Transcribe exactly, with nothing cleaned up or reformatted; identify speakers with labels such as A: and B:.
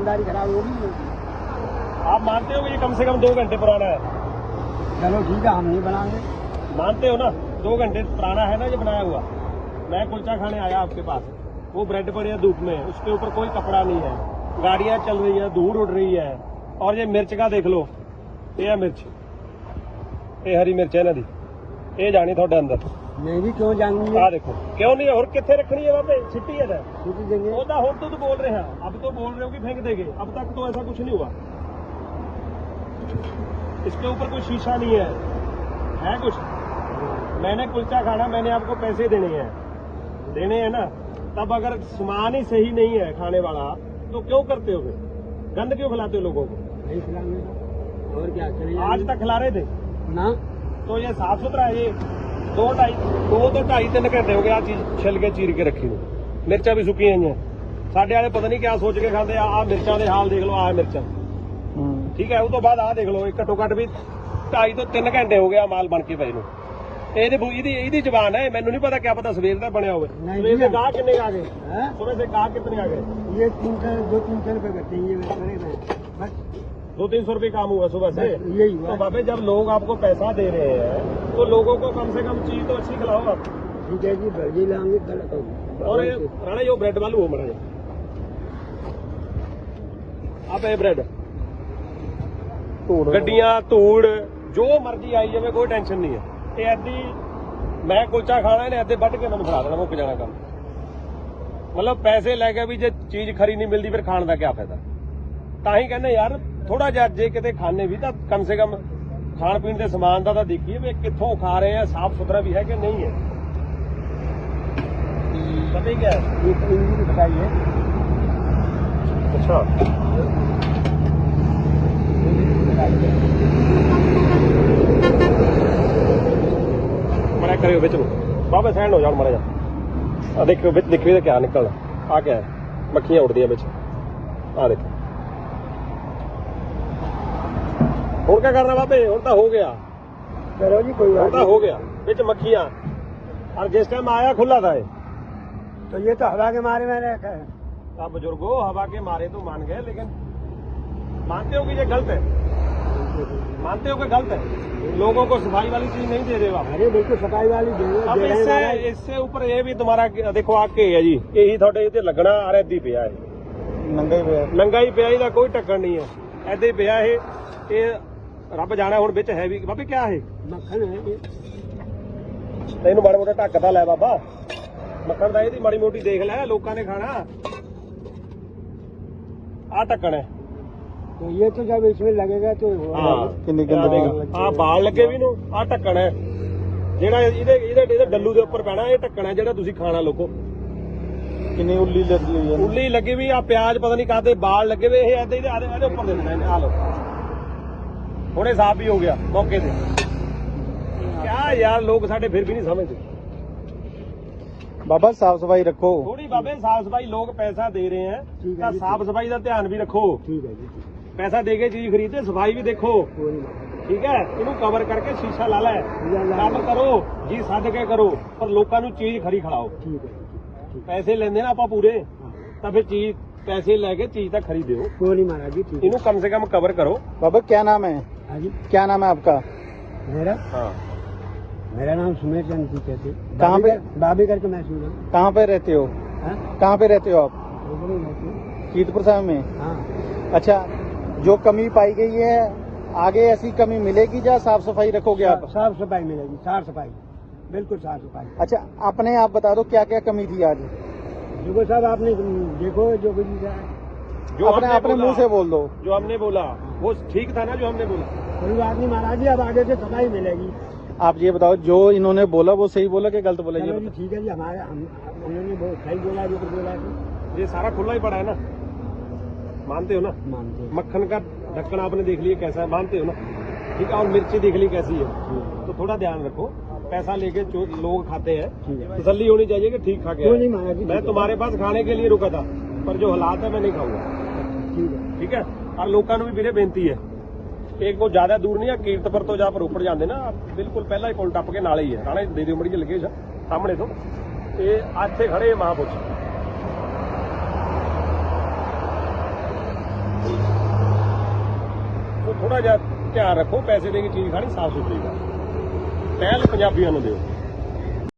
A: दुकानदारी खराब होगी।
B: आप मानते हो कि ये कम से कम दो घंटे पुराना है?
A: चलो ठीक है, हम नहीं बनाएंगे।
B: मानते हो ना दो घंटे पुराना है ना ये बनाया हुआ। मैं कुलचा खाने आया आपके पास, वो ब्रेड पड़ी है धूप में, उसके ऊपर कोई कपड़ा नहीं है, गाड़ियां चल रही है, धूल उड़ रही है, और ये मिर्च का देख लो, ये है मिर्च, ये हरी मिर्च है ना दी, ये जानी थोड़े अंदर।
A: मैं भी क्यों जाऊंगी?
B: आ देखो क्यों नहीं है, और कितने रखनी है वहाँ पे छिट्टी है ना,
A: छुट्टी देंगे।
B: वो तो तो, तो बोल रहे हैं, अब तो बोल रहे हो कि फेंक देंगे, अब तक तो ऐसा कुछ नहीं हुआ। इसके ऊपर कोई शीशा नहीं है, है कुछ? मैंने कुलचा खाना, मैंने आपको पैसे देने हैं, देने हैं ना, तब अगर सामान ही सही नहीं है खाने वाला तो क्यों करते हो फिर? गंद क्यों खिलाते हो लोगों को?
A: नहीं खिलाएंगे और क्या करें?
B: आज तक खिला रहे थे
A: ना,
B: तो ये साफ सुथरा है। ये दो ढाई दो तो ढाई तीन घंटे हो गए आ चीज छिल के चीर के रखी हुई, मिर्चा भी सुकी हैं। साढ़े वाले पता नहीं क्या सोच के खाते आ मिर्चा के हाल देख लो, आ मिर्चा ठीक है। उस तो बाद आ देख लो, घट्टो घट भी ढाई तो तीन घंटे हो गया माल बन के पए नूं। ਇਹਦੀ ਜ਼ਬਾਨ है, मैनू नहीं पता क्या पता सवेर का बनया हुआ। सवेर से गाह कितने आ गए? सुबह से गाह कितने आ गए?
A: ये तीन सौ दो तीन सौ रुपए करते हैं, ये बस
B: दो तीन सौ रुपये काम हुआ सुबह से।
A: यही हुआ।
B: तो बाबे जब लोग आपको पैसा दे रहे हैं तो लोगों को कम से कम चीज तो अच्छी खिलाओ आप।
A: ठीक है जी, भर्जी लाएंगे कल।
B: और ये राणा यो ब्रेड वालू हो मरा आप ये ब्रेड गड्डियां धूड़ जो मर्जी आई जाए, कोई टेंशन नहीं है। ऐदी मैं कुलचा खाना इन्हें ऐदे ਵੱਢ के मैं खिला देना, मुक जाना काम। मतलब पैसे लैके भी जो चीज खरी नहीं मिलती फिर खाने का क्या फायदा? तां ही कहने यार थोड़ा जिहा जे किते खाने भी तो कम से कम खाण पीण के समान का तो देखिए भी कित्थों खा रहे हैं, साफ सुथरा भी है कि नहीं है। पता ही क्या है?
A: ये बताइए।
B: अच्छा मरा करियो बिच बाबा सैंड हो जाओ मरा जा। देखियो बिच देखियो क्या निकलना, आ क्या है? मक्खियां उड़दियां बिच, आ देखो। और क्या करना बाबे? और तो हो गया,
A: करो जी कोई बात
B: तो हो गया। बिच मक्खियां, और जिस टाइम आया खुला था ये,
A: तो ये तो हवा के मारे मैंने रखा है।
B: आप बुजुर्गो हवा के मारे तो मान गए, लेकिन मानते हो कि ये गलत है? मानते हो कि गलत है? लोगों को सफाई वाली चीज नहीं दे रहे हो आप।
A: अरे देखो सफाई वाली
B: अब इससे इससे ऊपर ये भी तुम्हारा देखो आके है जी, यही थोड़े इतने लगना आ रहा दी पिया है,
A: नंगा ही पिया
B: नंगा ही पिया, ਇਹਦਾ कोई टक्कर नहीं है, ऐसे ही पिया है। ये रब जाना ਹੁਣ ਵਿੱਚ है भी बाबे क्या है?
A: मक्खन है ये।
B: ਤੈਨੂੰ ਮਾੜਾ ਮੋਟਾ ਢੱਕਦਾ ਲੈ ਬਾਬਾ, ਮੱਖਣ ਦਾ ਇਹਦੀ ਮਾੜੀ ਮੋਟੀ ਦੇਖ ਲੈ, ਲੋਕਾਂ ਨੇ ਖਾਣਾ। ਆ ਢੱਕਣ ਹੈ,
A: तो ये तो जब इसमें लगेगा तो
B: ਕਿੰਨੀ ਗੰਦਗੀ। ਆ ਬਾਲ ਲੱਗੇ ਵੀ ਨੂੰ, ਆ ਢੱਕਣ ਹੈ ਜਿਹੜਾ ਇਹਦੇ ਇਹਦੇ ਇਹਦੇ ਡੱਲੂ ਦੇ ਉੱਪਰ ਪੈਣਾ, ਇਹ ਢੱਕਣ ਹੈ ਜਿਹੜਾ ਤੁਸੀਂ ਖਾਣਾ ਲੋਕੋ।
A: किन्नी उल्ली लगी हुई है,
B: ਉੱਲੀ ਲੱਗੀ ਵੀ ਆ, ਪਿਆਜ਼ ਪਤਾ ਨਹੀਂ ਕਾਹਦੇ ਬਾਲ ਲੱਗੇ ਵੇ, ਇਹ ਐਦੇ ਇਹਦੇ ਉੱਪਰ ਦੇ ਦੇਣਾ ਇਹਨੇ। ਆ ਲੋ ਹੁਣੇ ਸਾਫ ਵੀ ਹੋ ਗਿਆ ਮੌਕੇ ਤੇ। ਕਿਆ ਯਾਰ ਲੋਕ ਸਾਡੇ ਫਿਰ ਵੀ ਨਹੀਂ ਸਮਝਦੇ।
A: बाबा साफ सफाई रखो।
B: थोड़ी बाबे साफ सफाई, लोग पैसा दे रहे हैं तो साफ सफाई का ध्यान भी रखो।
A: ठीक है जी,
B: पैसा दे के चीज खरीदते, सफाई भी देखो, ठीक है। इनू कवर करके शीशा ला लै, काम करो जी, सद के करो, पर लोगों को चीज खरी खिलाओ।
A: ठीक है।
B: पैसे लेंदे ना आप पूरे, तो फिर चीज पैसे लेके चीज तक खरीदो।
A: कोई नहीं महाराज जी, ठीक है।
B: इनू कम से कम कवर करो।
A: बाबा क्या नाम है? हाँ जी, क्या नाम है आपका? मेरा
B: हाँ
A: मेरा नाम सुमेर चंद जी कहते।
B: कहाँ पे?
A: बाबी करके मैं सुना।
B: कहाँ पे रहते हो? कहाँ पे रहते हो आप?
A: कीर्तपुर साहब में। हाँ।
B: अच्छा, जो कमी पाई गई है आगे ऐसी कमी मिलेगी या साफ सफाई रखोगे आप?
A: साफ सफाई मिलेगी, साफ सफाई, बिल्कुल साफ सफाई।
B: अच्छा, अपने आप बता दो क्या क्या कमी थी आज?
A: देखो साहब, आपने देखो जो कुछ
B: जो अपने अपने मुंह से बोल दो, जो हमने बोला वो ठीक था ना, जो हमने बोला।
A: कोई बात नहीं महाराज जी, अब आगे से सफाई मिलेगी।
B: आप ये बताओ जो इन्होंने बोला वो सही बोला कि गलत बोला?
A: जी ठीक है जी, हमारे हम उन्होंने बहुत सही बोला, जो कुछ बोला है।
B: ये सारा खुला ही पड़ा है ना, मानते हो ना?
A: मानते हैं।
B: मक्खन का ढक्कन आपने देख लिया कैसा है, मानते हो ना? ठीक है। और मिर्ची देख ली कैसी है, तो थोड़ा ध्यान रखो। पैसा लेके जो लोग खाते हैं तसल्ली होनी चाहिए कि ठीक खा के। मैं तुम्हारे पास खाने के लिए रुका था, पर जो हालात है मैं नहीं खाऊंगा, ठीक है। और लोगों भी मेरे बेनती है, एक को ज्यादा दूर नहीं है, कीर्तपुर तो जहाँ रोपड़ जाते ना, बिल्कुल पहला ही पुल टप के नाले ही है। राणे दे दिओ मड़ी जी लगे सामने तो, ये इत्थे खड़े महापुरुष ਥੋੜਾ ਜਿਹਾ ਧਿਆਨ ਰੱਖੋ, ਪੈਸੇ ਦੇ ਕੇ ਚੀਜ਼ ਖਾਣੀ ਸਾਫ਼ ਸੁਥਰੀ ਦਾ ਪਹਿਲ ਪੰਜਾਬੀਆਂ ਨੂੰ ਦਿਓ।